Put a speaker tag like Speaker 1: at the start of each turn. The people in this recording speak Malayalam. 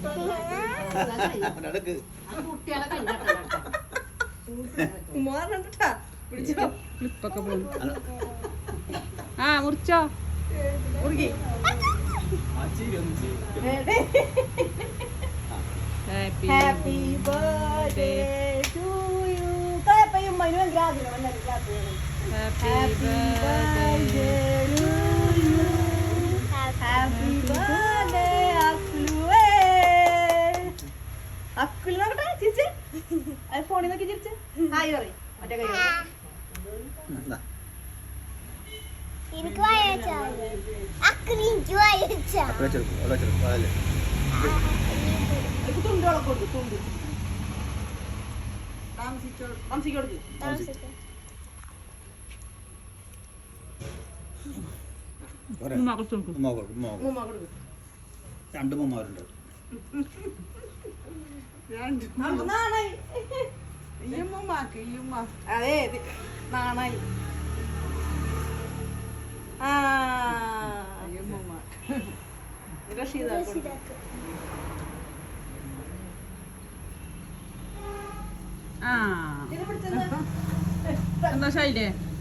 Speaker 1: ക്ലിപ്പൊക്കെ പോകും. ആ മുറിച്ചോ മുറുകി.
Speaker 2: Happy birthday to you. കയപ്പയും മനുവും
Speaker 1: ഹാപ്പി ബർത്ത്ഡേ
Speaker 2: ഹാപ്പി ബർത്ത്ഡേ അക്കുലുവേ. അക്കുലു നോക്കട്ടെ ചിരിച്ച്. അത് ഫോണിൽ നോക്കി ചിരിച്ച് ഹായ് പറയും. മറ്റേ കൈ
Speaker 3: എനിക്ക് വായിച്ചാ അക്രീഞ്ചു വായിച്ചാ
Speaker 2: തുണ്ടോളെ കൊടുക്കും. തുണ്ട് താമസിക്ക് കൊടുക്കും.
Speaker 4: രണ്ട് ഉമ്മമാരുണ്ട്.
Speaker 2: അതെ നാണായി.
Speaker 1: സന്തോഷായില്ലേ?